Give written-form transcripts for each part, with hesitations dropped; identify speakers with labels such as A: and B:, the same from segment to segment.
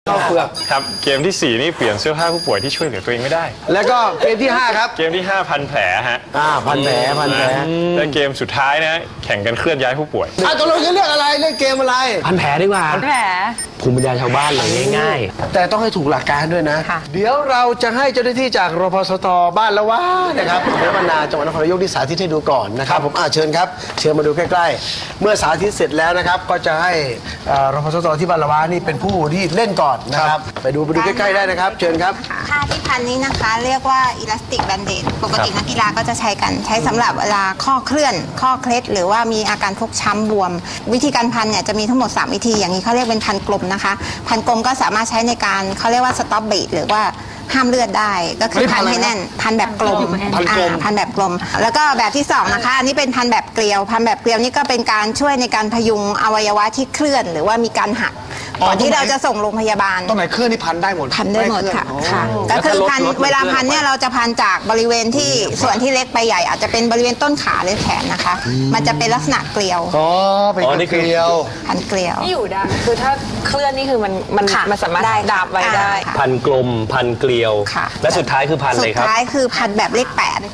A: ข้าวเปลือก
B: ครับเกมที่4นี่เปลี่ยนเสื้อผ้าผู้ป่วยที่ช่วยเหลือตัวเองไม่ได้
A: แล้วก็เกมที่5ครับ
B: เกมที่5พันแผลฮะ
A: พันแผล
B: และเกมสุดท้ายนะแข่งกันเคลื่อนย้ายผู้ป่วย
A: ตกลงจะเลือกอะไรเล่นเกมอะไร
C: พันแผลดีกว่า
D: พันแผล
C: ภูมิปัญญาชาวบ้านเลยง่าย
A: ๆแต่ต้องให้ถูกหลักการด้วยนะเดี๋ยวเราจะให้เจ้าหน้าที่จากรพสตบ้านละวะนะครับอำเภอบ้านนาจังหวัดนครนายกที่สาธิตให้ดูก่อนนะครับผมเชิญครับเชิญมาดูใกล้ๆเมื่อสาธิตเสร็จแล้วนะครับก็จะให้รพสตที่บ้านละวะนี่เป็นผู้ที่เล่นก่อนนะครับไปดูใกล้ๆได้นะครับเชิญครับ
E: ผ้าที่พันนี้นะคะเรียกว่าอิลาสติกแบนเดดปกตินักกีฬาก็จะใช้กันใช้สำหรับเวลาข้อเคลื่อนข้อเคล็ดหรือว่ามีอาการฟกช้ำบวมวิธีการพันเนี่ยจะมีทั้งหมด3วิธีอย่างนี้เขาเรียกเป็นพันกลมนะคะพันกลมก็สามารถใช้ในการเขาเรียกว่าสต็อปบีทหรือว่าห้ามเลือดได้ก็คือพันให้แน่นพันแบบกลมพันแบบกลมแล้วก็แบบที่2นะคะอันนี้เป็นพันแบบเกลียวพันแบบเกลียวนี่ก็เป็นการช่วยในการพยุงอวัยวะที่เคลื่อนหรือว่ามีการหักก่อนที่เราจะส่งโรงพยาบาล
A: ตรงไหนเคลื่อนนี่พันได้หมด
E: พันได้หมดค่ะก็คือพันเวลาพันเนี่ยเราจะพันจากบริเวณที่ส่วนที่เล็กไปใหญ่อาจจะเป็นบริเวณต้นขาหรือแขนนะคะมันจะเป็นลักษณะเกลียว
A: เป็นเกลียว
E: พันเกลียว
D: ที่อยู่ได้คือถ้าเคลื่อนนี่คือมันสามารถดาบไว้ได้
C: พันกลมพันเกลียวและสุดท้ายคือพันอะไรครับ
E: สุดท้ายคือพันแบบเลข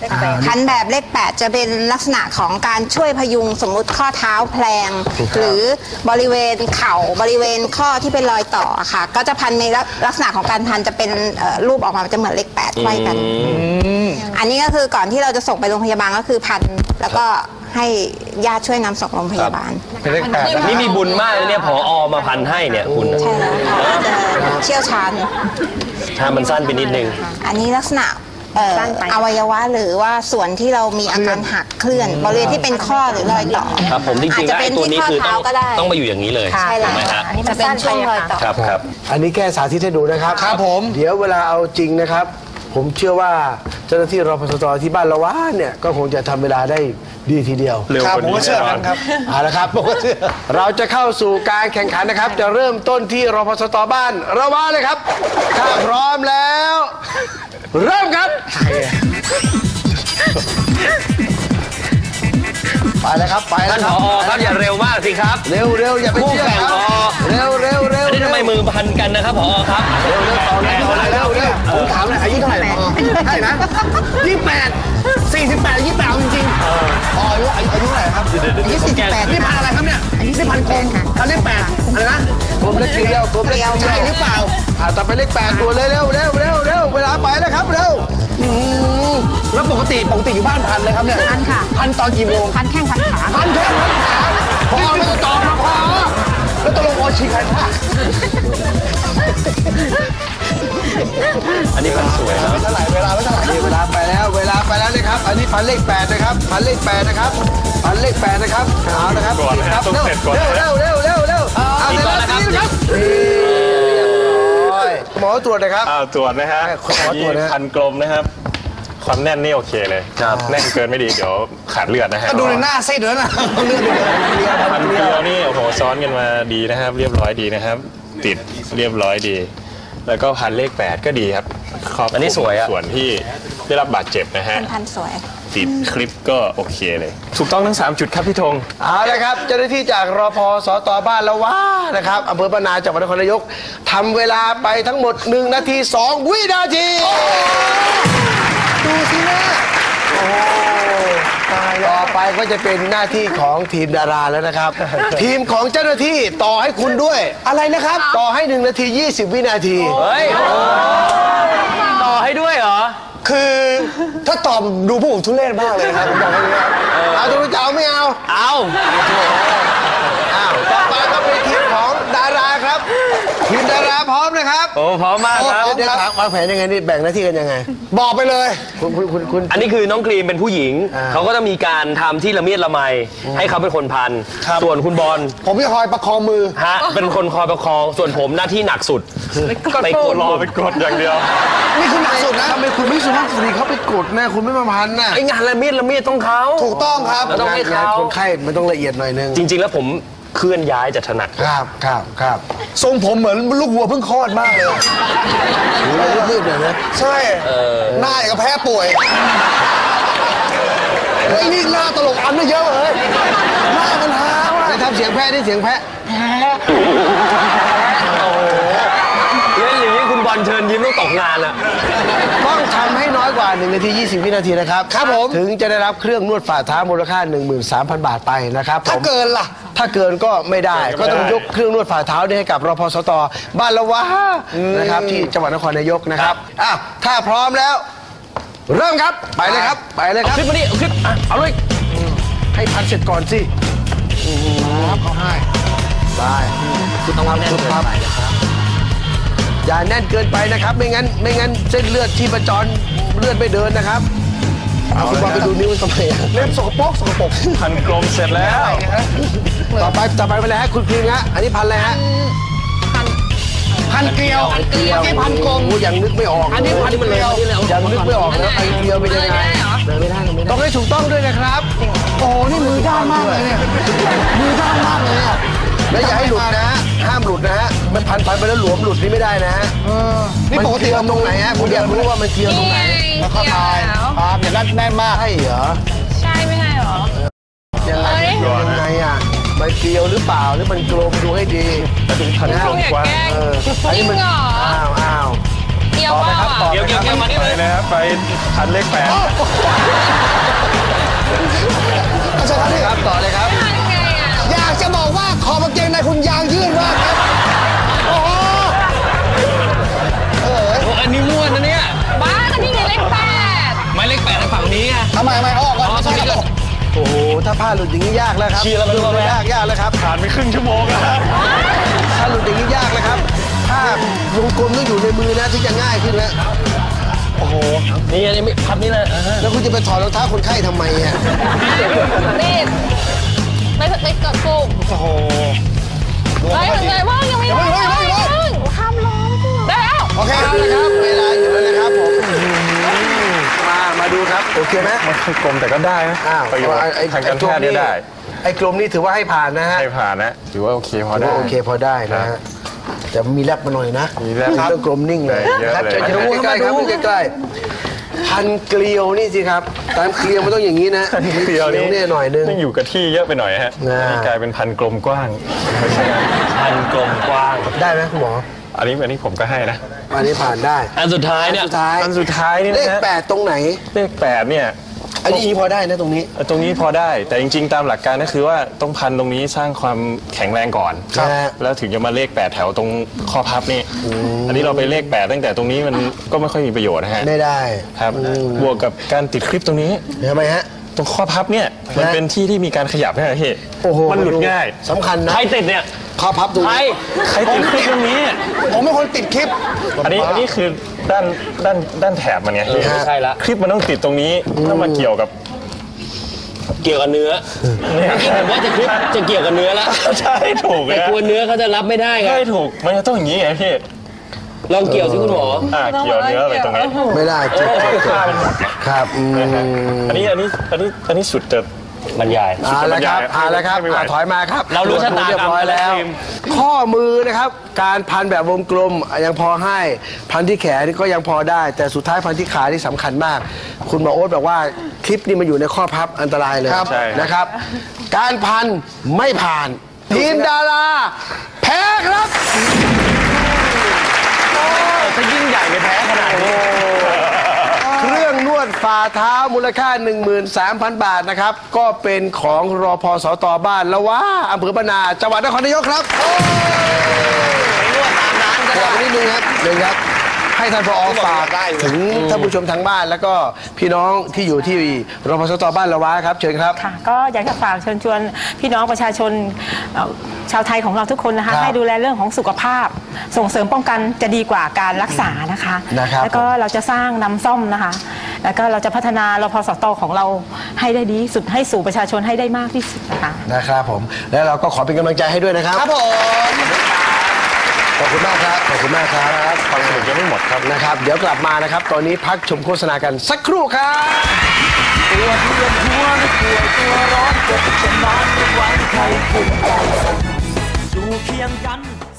E: 8พันแบบเลข8จะเป็นลักษณะของการช่วยพยุงสมมุติข้อเท้าแพลงหรือบริเวณเข่าบริเวณข้อที่เป็นรอยต่อค่ะก็จะพันในลักษณะของการพันจะเป็นรูปออกมาจะเหมือนเลข8ไขว้กันอันนี้ก็คือก่อนที่เราจะส่งไปโรงพยาบาลก็คือพันแล้วก็ให้ญาติช่วยนำส่งโรงพยาบาล
A: เป็นเลข8
C: นี่มีบุญมากเลยเนี่ยผอ.มาพันให้เนี่ยคุณ
E: ใช่แล้วเชี่ยวชาญ
C: ถ้ามันสั้นไปนิดนึง
E: อันนี้ลักษณะอวัยวะหรือว่าส่วนที่เรามีอาการหักเคลื่อนบริเวณที่เป็นข้อหรือรอยต่อ
C: ครับผมจริงๆแล้วไอ้ตัวนี้คือต้องมาอยู่อย่างนี้เลย
E: ใช่แล้ว
C: อั
E: นนี้จะเป็นช่วงรอยต่อ
C: ครับ
A: อันนี้แค่สาธิตให้ดูนะครับครับผมเดี๋ยวเวลาเอาจริงนะครับผมเชื่อว่าเจ้าหน้าที่รพสตที่บ้านละวะเนี่ยก็คงจะทำเวลาได้ดีทีเดียว
B: เร็วกว่านี้
A: เชื่อครับเอาละครับผมก็เชื่อเราจะเข้าสู่การแข่งขันนะครับจะเริ่มต้นที่รพสตบ้านละวะเลยครับถ้าพร้อมแล้วเริ่มครับไปแล้วครับไปแล้วครับ
C: ผอ.ครับอย่าเร็วมากสิครับ
A: เร็วอย่าไปเชื่อครับเร็ว
C: อันนี้ทำไมมือพันกันนะครับผอ.ครับ
A: เร็วต่อเลยผมถามเลยอายุเท่าไหร่ผอ.ใช่นะ28 28จริงๆอายุเท่าไหร่ครับ28นี่พันอะไรครับเนี่ยนี่พันกลมพันเลข8อะไรนะกลมเลขเกลียวใช่หรือเปล่าต่อไปเลข8ตัวเร็วเวลาไปแล้วครับเร็วแล้วปกติอยู่บ้านพันเลยครับเนี่ย
E: พันค่ะ
A: พันตอนกี่โมง
E: พันแข้งพันขา
A: พันแข้งพันขาพอไม่ต้องต่อมาพอแล้วตกลงโอชิใครพลาด
C: อันนี้พันสวยนะ
A: เท่าไหร่เวลาเวลาไปแล้วเลยครับอันนี้พันเลข8นะครับพันเลข8นะครับเอานะครับ
B: ก่อนนะครับต้องเสร็จก่อน
A: เร็วเอาเสร็จแล้วนะครับหมอตรวจนะครับ
B: ตรวจนะฮะพันกลมนะครับความแน่นนี่โอเคเลยแน่นเกินไม่ดีเดี๋ยวขาดเลือดนะฮะ
A: ก็ดูในหน้าซีดแล้วนะเลือด
B: พันเกลียวนี่โอ้โหซ้อนกันมาดีนะครับเรียบร้อยดีนะครับติดเรียบร้อยดีแล้วก็พันเลข8ก็ดีครับ
C: อันนี้สวย
B: ส่วนที่ได้รับบาดเจ็บนะฮะ
E: พันสวย
B: ติดคลิปก็โอเคเลยถูกต้องทั้ง3จุดครับพี่ธง
A: เอาละครับเจ้าหน้าที่จากรพสตบ้านละวะนะครับอำเภอบ้านนาจังหวัดนครนายกทำเวลาไปทั้งหมด1 นาที 2 วินาทีดูสินะต่อไปก็จะเป็นหน้าที่ของทีมดาราแล้วนะครับทีมของเจ้าหน้าที่ต่อให้คุณด้วยอะไรนะครับต่อให้1 นาที 20 วินาที
C: เฮ้ยต่อให้ด้วยเหรอ
A: คือถ้าตอบดูพวกผมทุเรศมากเลยครับผมบอกให้ดูครับเอาตัวจะเอาไม่เอาต่อไปก็เป็นทีมของดาราครับทีมดาราพร้อมนะครับ
C: โอ้พร้อมมากครับ
A: เดี๋ยววางแผนยังไงนี่แบ่งหน้าที่กันยังไงบอกไปเลยคุณ
C: อันนี้คือน้องกรีมเป็นผู้หญิงเขาก็จะมีการทำที่ละเมียดละไมให้เขาเป็นคนพันส่วนคุณบอล
A: ผมจะคอยประคองมือ
C: ฮะเป็นคนคอยประคองส่วนผมหน้าที่หนักสุด
B: ไปกดรอไปกดอย่างเดียว
A: นี่คือหนักสุดนะทำไมคุณไม่สุภาพสตรีเขาไปกดนะคุณไม่มาพันน่ะ
C: ไองานละเมียดต้องเขา
A: ถูกต้องครับ
C: ต้องให้เขา
A: คนไข้มันต้องละเอียดหน่อยนึง
C: จริงๆแล้วผมเคลื่อนย้ายจะถนัด
A: ครับทรงผมเหมือนลูกวัวเพิ่งคลอดมากเลยรีบๆหน่อยนะใช่หน้าก็แพ้ป่วยไอ้นี่หน้าตลกอันไม่เยอะเลยหน้ามันฮาว่ะทำเสียงแพ้ได้เสียงแพ้
C: งานอะ
A: ต้องทำให้น้อยกว่า1 นาที 20 วินาทีนะครับครับผมถึงจะได้รับเครื่องนวดฝ่าเท้ามูลค่า 13,000 บาทไปนะครับถ้าเกินล่ะถ้าเกินก็ไม่ได้ก็ต้องยกเครื่องนวดฝ่าเท้านี้ให้กับรพสตบ้านละวะนะครับที่จังหวัดนครนายกนะครับอ้าวถ้าพร้อมแล้วเริ่มครับไปเลยครับไปเลยครับ
C: ขึ้นมาดิขึ้นเอาเลย
A: ให้พันเสร็จก่อนสิครับเขาให้ได้คุณต้องทำสุดครับอย่าแน่นเกินไปนะครับไม่งั้นเส้นเลือดที่ประจรเลือดไม่เดินนะครับเอาคุณบอลไปดูนิ้วทำไมเล่มสกปรก
B: พันกลมเสร็จแล้ว
A: ต่อไปไปเลยฮะคุณพิมพ์ฮะอันนี้พันอะไรฮะพันเกลียวที่พันกลมยังนึกไม่ออกอันนี้พันเกลียวยังนึกไม่ออกนะพันเกลียวเป็นยังไงไม่ได้ต้องให้ถูกต้องด้วยนะครับโอ้นี่มือด้านมากเลยเนี่ยมือด้านมากเลยเนี่ยแล้วอย่าให้หลุดนะห้ามหลุดนะฮะมันพันไปแล้วหลวมหลุดนี่ไม่ได้นะฮะนี่ปกติตรงไหนฮะคุณอยากรู้ว่ามันเกลียวตรงไหนแล้วเข้าไปครับอย่างนั้นแน่นมากใช่เหรอ
D: ใช่ไม่ใช่เหรอ
A: ยังไงอ่ะมันเกลียวหรือเปล่าหรือมันกลมดูให้ดีถึงพันห้า
D: อย่าแกล้ง
A: อันนี้มัน
D: จริงเหรอ
A: อ้าว
D: เกี่ยวว่า
C: เกี่ยวมานี่
B: ไป
C: เลย
B: เลยครับไปพันเลข8
A: ครับต่อเลยครับ
D: ทำไงอ่ะ
A: อยากจะบอกว่าขอบกางเกงในคุณยางยืดมากครับโอ้โห
C: อันนี้ม้วนนะเนี่ย
D: บ้าก็นี่ไงเลข8
C: ไม่เลข8ทางฝั่งนี้ไง
A: ทำไมไม่ออกก่อน
C: ตรงนี้ก็
A: โอ้โหถ้าผ้าหลุดอย่างนี้ยากแล้วครับ
C: เชียร์แล้วมันรู้ไหม
A: ยากแล้วครับ
B: ผ่านไปครึ่งชั่วโมงแล้วครับ
A: ถ้าหลุดอย่างนี้ยากแล้วครับผ้าวงกลมต้องอยู่ในมือนะที่จะง่ายขึ้นแล้วโอ้โห
C: นี่อันนี้พับนี่เลย
A: แล้วคุณจะไปถอดรองเท้าคนไข้ทำไมอ่ะ
D: รีบไม่กดปุ่ม
A: โอ้โห
D: เฮ้ยมันเลยว่ายังไม่ได้ข้ามล้อได้แล้ว
A: โอเคเอาเลยครับเวลาอยู่แล้วนะครับผมมาดูครับโอเคไหม
B: มันค่อยกลมแต่ก็ได้นะ
A: อ้าว
B: ประโยชน์ทางการแพทย์เนี่ยได้
A: ไอ้กลมนี่ถือว่าให้ผ่านนะฮะ
B: ให้ผ่านนะถือว่าโอเคพอได้
A: โอเคพอได้นะฮะแต่มีแรปมาหน่อยนะ
B: มีแรป
A: ต้องกลมนิ่งเลย
B: เยอะ
A: ครับ
B: เลย
A: จะดูใกล้ๆครับใกล้ๆพันเกลียวนี่สิครับตามเกลียวมันต้องอย่างนี้นะ
B: เดียวนี้
A: เนี่ยหน่อยนึง
B: ต้องอยู่กับที่เยอะไปหน่อยฮะ
A: อ่า
B: นี่กลายเป็นพันกลมกว้าง
C: พันกลมกว้าง
A: ได้ไหมคุณหมอ
B: อันนี้ผมก็ให้นะ
A: อันนี้ผ่านได้
C: อันสุดท้ายเนี่ย
A: สุดท้าย
B: อันสุดท้ายนี่
A: เล
B: นะ
A: ข
B: ฮะ
A: 8ตรงไหน
B: เลข8เนี่ย
A: อันนี้พอได้นะตรงนี้
B: ตรงนี้พอได้แต่จริงๆตามหลักการก็คือว่าต้องพันตรงนี้สร้างความแข็งแรงก่อน
A: ครับ
B: แล้วถึงจะมาเลข8แถวตรงข้อพับนี่อันนี้เราไปเลข8ตั้งแต่ตรงนี้มันก็ไม่ค่อยมีประโยชน์นะฮะ
A: ไม่ได้
B: ครับบวกกับการติดคลิปตรงนี้
A: ทำไมฮะ
B: ตรงข้อพับเนี่ยมันเป็นที่ที่มีการขยับนะฮะพี่
A: โอ้โห
B: มันหลุดง่าย
A: สำคัญนะ
C: ใครติดเนี่ย
A: ข้อพับตรง
C: ใคร
A: นี้
B: ใครติดคลิปตรงนี้
A: ผมเป็นคนติดคลิป
B: อันนี้คือด้านแถบมันไงพี่
C: ไม่ใช่ละ
B: คลิปมันต้องติดตรงนี้ถ้ามาเกี่ยวกับ
C: เกี่ยวกับเนื้อ
B: เนี่ย
C: ผมว่าจะคลิปจะเกี่ยวกับเนื้อละ
B: ใช่ถูก
C: แต่
B: นะ
C: กลัวเนื้อเขาจะรับไม่ได้ไง
B: ใช่ถูกมันจะต้องอย่างนี้ไงพี่
C: ลองเกี่ยวสิคุณหมอ
B: เกี่ยวเนื้อไปตรงนี้
A: ไม่ได้เจ็บ
B: ผ้ามันหมดไง
A: ครับ
B: อันนี้สุดจะ
C: บรรยาย
A: เอาละครับเอาละครับ
B: ไม่ไหว
A: ถอยมาครับ
C: เรารู้ชะตากรรม
A: เรียบร้อยแล้ว
C: แล้วทีม
A: ข้อมือนะครับ การพันแบบวงกลมยังพอให้ พันที่แขนนี่ก็ยังพอได้ แต่สุดท้ายพันที่ขาที่สำคัญมาก คุณหมอโอ๊ตบอกว่าคลิปนี้มันอยู่ในข้อพับอันตรายเลย
B: ใช่
A: นะครับ การพันไม่ผ่าน ทีมดาราแพ้ครับ
C: จะยิ่งใหญ่ไปแพ้ขนาดนี้
A: เครื่องนวดฝ่าเท้ามูลค่า 13,000 บาทนะครับ ก็เป็นของรพสตบ้านละว่าอำเภอบ้านนาจังหวัดนครนายกครับนวดตามร้านก็ได้นิดนึงครับหนึ่งครับ ให้ท่านผอฝากถึงท่านผู้ชมทางบ้าน แล้วก็พี่น้องที่อยู่ที่รพสตบ้านละว่าครับเชิญครับ
F: ค่ะก็อยากจะฝากเชิญชวนพี่น้องประชาชนชาวไทยของเราทุกคนนะคะ
A: ครับ
F: ให้ดูแลเรื่องของสุขภาพ ส่งเสริมป้องกันจะดีกว่าการรักษานะคะ
A: นะครับ
F: แล้วก็เราจะสร้างน้ำส้มนะคะ แล้วก็เราจะพัฒนารพสตของเราให้ได้ดีที่สุดให้สู่ประชาชนให้ได้มากที่สุดนะคะ
A: นะครับผมแล้วเราก็ขอเป็นกำลังใจให้ด้วยนะครับครับผมขอบคุณมากครับขอบคุณมากครับ
B: ความสนุกยังไม่หมดครับ
A: นะครับเดี๋ยวกลับมานะครับ ตอนนี้พักชมโฆษณากันสักครู่ครับตัวเพื่อนหัวไม่กลัวตัวร้อนจะจะนอนไม่ไหวใครภูมิใจอยู่เคียงกัน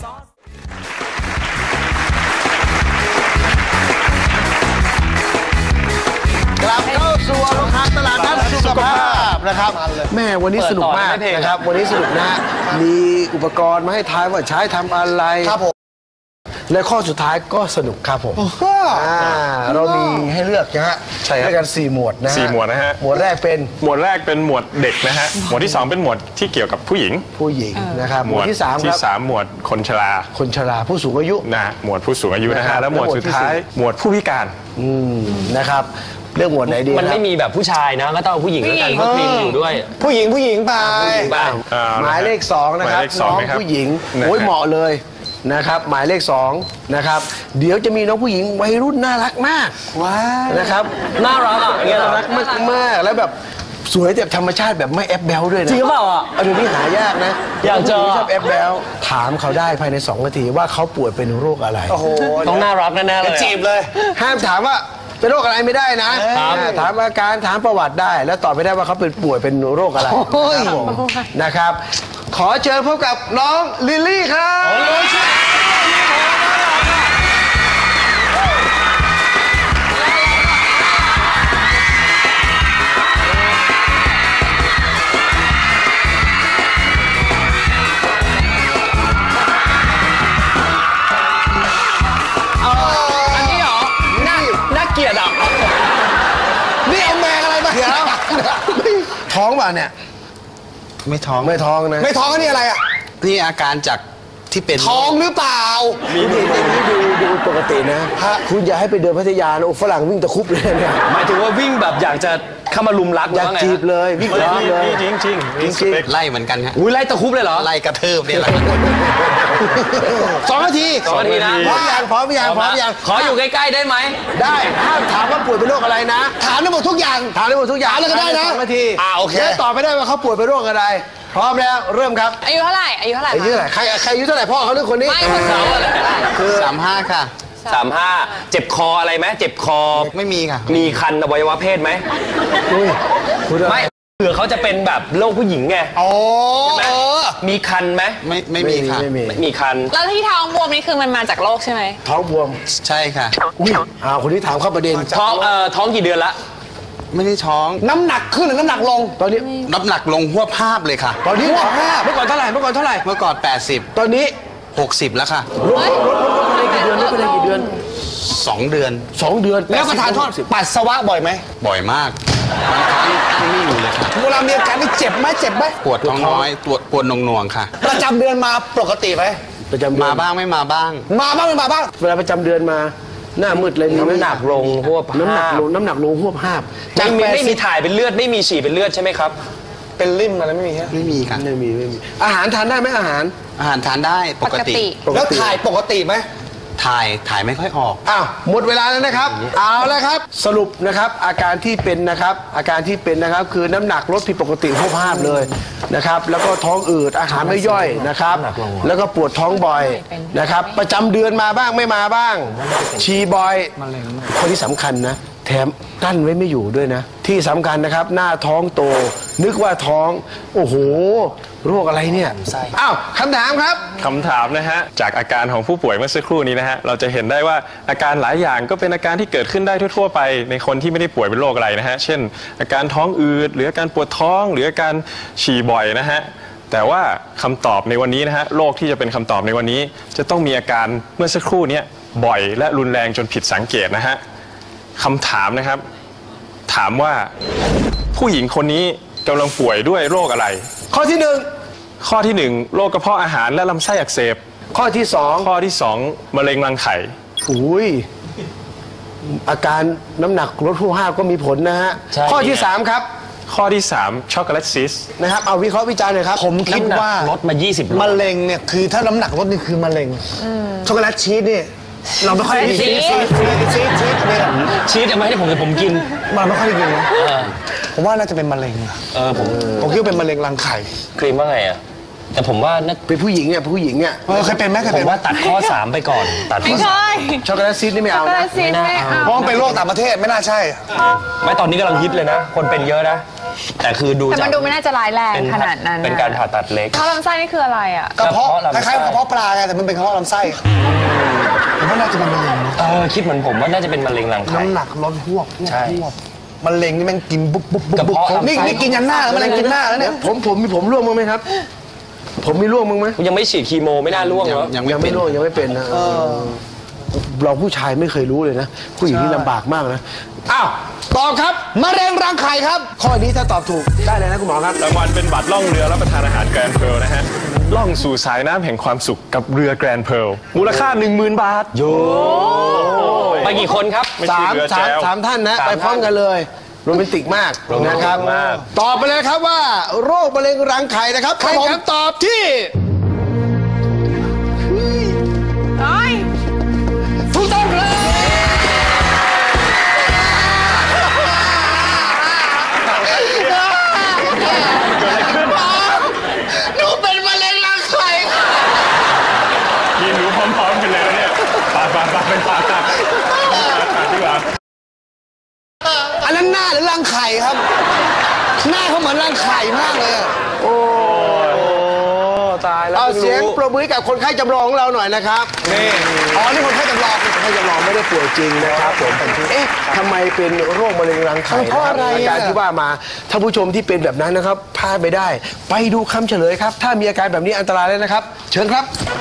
A: กลับเข้าสู่โรงทานตลาดนัดสุขภาพนะครับแม่วันนี้สนุกมากนะครับวันนี้สนุกนะฮะมีอุปกรณ์มาให้ทายว่าใช้ทำอะไรครับผมและข้อสุดท้ายก็สนุกครับผมเรามีให้เลือกนะฮะ
B: ใช่ครับ
A: ด้วยกัน4หมวดนะฮะ
B: 4หมวดนะฮะ
A: หมวดแรกเป็น
B: หมวดแรกเป็นหมวดเด็กนะฮะหมวดที่2เป็นหมวดที่เกี่ยวกับผู้หญิง
A: ผู้หญิงนะครับหมวดที่3ครับ
B: หมวดคนชรา
A: คนชราผู้สูงอายุ
B: นะฮะหมวดผู้สูงอายุนะ
A: นะครั
B: ฮะ
A: บ
B: แล้วหมวดสุดท้าย
A: แล้วหมวดที่
B: หมวดผู้พิการ
A: นะครับเลือกหมวดไหนดี
C: มันไม่
A: ครับ
C: มีแบบผู้ชายนะก็ต้องเอาผู้หญิงแล้วกันเพราะครีมอยู่ด้วย
G: ผู้หญิงไป
C: บ้าง
A: หมายเลข2นะครับ
B: หมายเลขส
A: น้
B: อ
A: อง ง
B: นะครับ
A: ผู้หญิง
B: นะฮะ
A: โอ้ยเหมาะเลยนะครับหมายเลข2นะครับเดี๋ยวจะมีน้องผู้หญิงวัยรุ่นน่ารักมาก
G: ว้า
A: นะครับ
C: น่ารักอ่ะอย่างเงี้ยเหร
A: น่า
C: อ
A: รักมากๆแล้วแบบสวยแบบธรรมชาติแบบไม่แอปแบลด้วยนะ
C: จริงหรือเปล่าอ่ะ
A: เดี๋ยวนี้หายากนะ
C: อยากเจอ
A: ผู้หญิงชอบแอปแบลถามเขาได้ภายใน2 นาทีว่าเขาป่วยเป็นโรคอะไร
G: โอ้โห
C: ต้องน่ารักแน่ๆเลย
G: จีบเลย
A: ห้ามถามว่าเป็นโรคอะไรไม่ได้นะถามอาการถามประวัติได้ แล้วตอบไม่ได้ว่าเขาเป็นป่วยเป็นโรคอะไรครับผมนะครับ ขอเชิญพบกับน้องลิลลี่ครับ
C: อันนี้เหรอน่าเกลียดอ่ะ
A: นี่เอาแมงอะไรมาเดี๋ยวท้องป่ะเนี่ย
G: ไม่ท้อง
A: ไม่ท้องนะ
G: ไม่ท้องก็นี่อะไรอ่ะ
H: นี่อาการจากที่เป็น
G: ท้องหรือเปล่า
A: ดูปกตินะคุณอย่าให้ไปเดินพัทยานะโอ้ฝรั่งวิ่งตะคุบเลยเนี่ย
C: หมายถึงว่าวิ่งแบบอยากจะเข้ามาลุมรัก
A: อยาก
C: ว่ไง
A: จีบเลยวิ่งตะคุบเลย
B: จริงจริงๆมีสเปค
H: ไล่เหมือนกันฮะ
C: อุ้ยไล่ตะคุบเลยเหรอ
H: ไล่กระเทิบเนี่ยแหละ
A: 2 นาที
C: 2 นาทีนะ
A: พร้อมยังพร้อมยังพร้อมยัง
C: ขออยู่ใกล้ๆได้ไหม
A: ได้ห้ามถามว่าป่วยเป็นโรคอะไรนะ
G: ถามได้หมดทุกอย่าง
A: ถามได้หมดทุกอย่าง
G: ถามเลยก็ได้นะ
A: 2 นาที
G: โอเค
A: แล้วตอบไม่ได้ว่าเขาป่วยเป็นโรคอะไร พร้อมแล้วเริ่มครับ
D: อายุเท่าไหร่อายุเท่าไหร่
A: อายุเท่าไหร่ใครอายุเท่าไหร่พ่อเขาหรือคนนี้
D: ไม่คนสาวอะไร
H: คือ35 ค่ะ
C: 35เจ็บคออะไรไหมเจ็บคอ
H: ไม่มีค่ะ
C: มีคันอวัยวะเพศไหม
A: คุณ
C: ไม่เผื่อเขาจะเป็นแบบโรคผู้หญิงไง
G: โอ้
C: มีคันไหม
H: ไม่มีค่ะ
A: ไม่มี
C: ไม่มีคัน
D: แล้วที่ท้องบวมนี่คือมันมาจากโรคใช่ไหม
A: ท้องบวม
H: ใช่ค่ะ
A: อุ้ยคนนี้ถามเข้าประเด็น
C: ท้องกี่เดือนละ
H: ไม่ได้ท้อง
G: น้ำหนักขึ้นหรือน้ำหนักลง
A: ตอนนี้
H: น้ำหนักลงหัวภาพเลยค่ะ
A: เมื่อก่อนเท่าไหร่เมื่อก่อนเท่าไหร่
H: เมื่อก่อน
A: ตอนนี้
H: 80 60 แล้วค่ะ
A: ลดไปได้กี่เดือนลดไปได้กี่เดือน
H: 2 เดือน
A: 2 เดือน
G: แล้วก็ทานโทษปัสสาวะบ่อยไหม
H: บ่อยมากบางครั้งไม่นิ่งอยู่เลยค่ะ
G: เวลามีอาการนี่เจ็บไหมเจ็บไหม
H: ปวดท้องน้อยปวดหน่วงๆค่ะ
G: ประจำเดือนมาปกติไหม
A: ประจำเดือน
H: มาบ้างไม่มาบ้าง
G: มาบ้างไม่มาบ้าง
A: เวลาประจำเดือนมาหน้ามืดเลยมีไหม
C: น้ำหนักลงหัวภาพ
A: น้ำหนักลงหัวภาพ
C: ไม่มีถ่ายเป็นเลือดไม่มีฉี่เป็นเลือดใช่ไหมครับ
G: เป็นริ่มอะไรไม่มีฮะ
H: ไม่มีค่ะ
A: ไม่มีอาหารทานได้ไหมอาหาร
H: อาหารทานได้ปกติ
G: แล้วถ่ายปกติไหม
H: ถ่ายไม่ค่อยออก
A: อ้าวหมดเวลาแล้วนะครับ เอาแล้วครับ สรุปนะครับอาการที่เป็นนะครับคือน้ำหนักลดผิดปกติหัวภาพเลยนะครับ แล้วก็ท้องอืดอาหารไม่ย่อยนะครับ แล้วก็ปวดท้องบ่อยนะครับ ประจำเดือนมาบ้างไม่มาบ้าง ฉี่บ่อยคนที่สำคัญนะแถมกั้นไว้ไม่อยู่ด้วยนะ ที่สำคัญนะครับ หน้าท้องโต นึกว่าท้องโอ้โหโรคอะไรเนี่ยอ้าวคำถามครับ
B: คำถามนะฮะจากอาการของผู้ป่วยเมื่อสักครู่นี้นะฮะเราจะเห็นได้ว่าอาการหลายอย่างก็เป็นอาการที่เกิดขึ้นได้ทั่วๆไปในคนที่ไม่ได้ป่วยเป็นโรคอะไรนะฮะเช่น อาการท้องอืดหรืออาการปวดท้องหรืออาการฉี่บ่อยนะฮะแต่ว่าคำตอบในวันนี้นะฮะโรคที่จะเป็นคำตอบในวันนี้ จะต้องมีอาการเมื่อสักครู่นี้บ่อยและรุนแรงจนผิดสังเกตนะฮะคำถามนะครับถามว่าผู้หญิงคนนี้กำลังป่วยด้วยโรคอะไร
A: ข้อที่หนึ่ง
B: ข้อที่ 1 โรคกระเพาะอาหารและลำไส้อักเสบ
A: ข้อที่สอง
B: ข้อที่ 2 มะเร็งรังไข่
A: อุ้ยอาการน้ำหนักลดหัวภาพก็มีผลนะฮะ
C: ใช่
A: ข้อที่สามครับ
B: ข้อที่ 3 ช็อกโกแลตซิส
A: นะครับเอาวิเคราะห์วิจารณ์หน่อยครับ
G: ผมคิดว่า
C: ลดมา20โล
G: มะเร็งเนี่ยคือถ้าน้ำหนักลดนี่คือมะเร็งช็อกโกแลตชีสนี่เราไม่ค่อยได้กินชีสเนี่ย
C: ชีสจะไม่ให้ผมกิน
G: มันไม่ค่อยได้กินนะผมว่าน่าจะเป็นมะเร็งอะ ผมคิดว่าเป็นมะเร็งรังไข่
C: ครีมว่าไงอ่ะแต่ผมว่าน่า
A: เป็นผู้หญิงเนี่ยผู้หญิงเนี่ย
G: เคยเป็นไหมเคย
C: ผ
G: เป็น
C: มว่าตัดข้อ 3 ไปก่อนตัดข้
D: ไม่
C: อ
D: ใช่
A: ช็อกโกแลตซีดนี่ไม่เอา
D: ก็
A: นะ
D: ได้ซีไม่เอา
G: เพราะมันเป็นโรคต่างประเทศไม่น่าใช่
C: ไม่ตอนนี้กำลังฮิตเลยนะ คนเป็นเยอะนะ แต่คือดู
D: แต่
C: จาก
D: มันดูไม่น่าจะร้ายแรงขนาดนั้น
C: เป็นการผ่าตัดเล็ก
D: ท่อลำไส้นี่คืออะไรอ่ะ
G: กระเพาะ
C: กระ
G: คล้ายๆ
C: เพาะลำไส้
G: กระเพาะปลาไงแต่มันเป็นกระเพาะลำไส้ผมว่าน่าจะเป็นมะเร็งนะ
C: คิดเหมือนผมว่าน่าจะเป็นมะเร็งรังไข่
G: น้ำหนักลดหวบ
C: ใช่
G: มะเร็งนี่แม่งกินบุ๊บบุ๊บบุ๊บ
C: กระเพาะลำไส้
G: นี่กินยันหน้าแล้วมะเร็งกินหน้าแล้วเนี่ย
A: ผมร่วงมั้างไหมครับผมมีร่วงมั้งไหม
C: ยังไม่ฉีดคีโมไม่น่าร่วงเหรอ
A: ยังไม่ร่วงยังไม่เป็นนะเราผู้ชายไม่เคยรู้เลยนะ ผู้หญิงนี่ลำบากมากนะอ้าวตอบครับมะเร็งรังไข่ครับ ข้อนี้ถ้าตอบถูกได้เลยนะคุณหมอครับ
B: รางวัลเป็นบัตรล่องเรือรับประทานอาหารแกรนด์เพร์ลนะฮะล่องสู่สายน้ำแห่งความสุขกับเรือแกรนด์เพร์ลมูลค่า 10,000 บาท
C: ไปกี่คนครับ
B: ไม่ใช่เรือแจว
A: สามท่านนะ
C: สาม
A: ไปพร้อม
C: ท่าน
A: กันเลยโรแมนติกมากนะครับ
C: มาก
A: ตอบไปเลยครับว่าโรคมะเร็งรังไข่นะครับใครครับตอบที่ถูกต้องครับหนูเป็นมะเร็งรังไข่ค่ะ
B: ยืนดูพร้อมๆกันเลยนะเนี่ยปาเป็นปาดีกว่า
G: อันนั้นหน้าหรือรังไข่ครับ หน้าเขาเหมือนรังไข่มากเลยอะ
C: ตายแล้ว
A: เอาเสียงปรบมือให้กับคนไข้จำลองของเราหน่อยนะครับ
G: นี่อ๋อนี่คนไข้จำลอง
A: คนไข้จำลองไม่ได้ป่วยจริงนะครับผมเอ๊ะทำไมเป็นโรคมะเร็งรังไข่
G: เพราะอะไร
A: อาการที่ว่ามาท่านผู้ชมที่เป็นแบบนั้นนะครับพลาดไปได้ ไปดูคำเฉลยครับ ถ้ามีอาการแบบนี้อันตรายเลยนะครับ เชิญครับ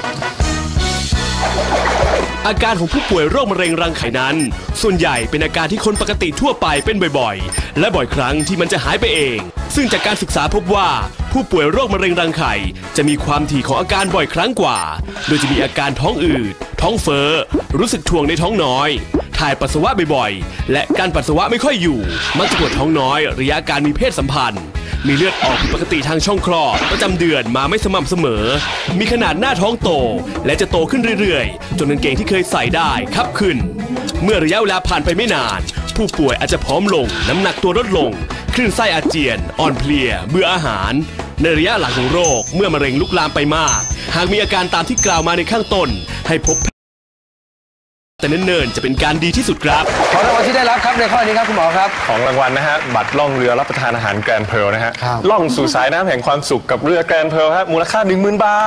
I: อาการของผู้ป่วยโรคมะเร็งรังไข่นั้น ส่วนใหญ่เป็นอาการที่คนปกติทั่วไปเป็นบ่อยๆ และบ่อยครั้งที่มันจะหายไปเอง ซึ่งจากการศึกษาพบว่าผู้ป่วยโรคมะเร็งรังไข่จะมีความถี่ของอาการบ่อยครั้งกว่า โดยจะมีอาการท้องอืดท้องเฟ้อรู้สึกถ่วงในท้องน้อย ถ่ายปัสสาวะบ่อยๆ และการปัสสาวะไม่ค่อยอยู่ มักจะปวดท้องน้อยระยะการมีเพศสัมพันธ์ มีเลือดออกผิดปกติทางช่องคลอดประจำเดือนมาไม่สม่ำเสมอ มีขนาดหน้าท้องโตและจะโตขึ้นเรื่อยๆ จนกางเกงที่เคยใส่ได้คับขึ้น เมื่อระยะเวลาผ่านไปไม่นาน ผู้ป่วยอาจจะผอมลง น้ำหนักตัวลดลง คลื่นไส้อาเจียน อ่อนเพลีย เบื่ออาหาร ในระยะหลังของโรคเมื่อมะเร็งลุกลามไปมาก หากมีอาการตามที่กล่าวมาในข้างต้นให้พบแต่เนิ่นๆจะเป็นการดีที่สุดครับ
A: ขอรางวัลที่ได้รับครับในข้อนี้ครับคุณหมอครับ
B: ของรางวัลนะฮะบัตรล่องเรือรับประทานอาหารแกรนด์เพร์ลนะฮะ
A: ครับ
B: ล่องสู่สายน้ำแห่งความสุขกับเรือแกรนด์เพร์ลฮะมูลค่า 10,000 บาท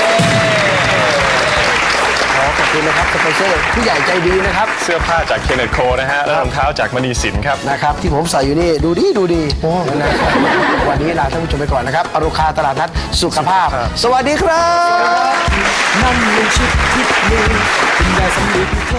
A: ขอบคุณนะครับสปอนเซอร์ผู้ใหญ่ใจดีนะครับ
B: เสื้อผ้าจากเคนเนตโคนะฮะและรองเท้าจากมณีสินครับ
A: นะครับที่ผมใส่อยู่นี่ดูดีนะครับวันนี้ลาท่านผู้ชมไปก่อนนะครับอรุคาตลาดนัดสุขภาพ สวัสดีครับ
J: นั่นไม่ใช่ทิศนี้คุณยายสำลี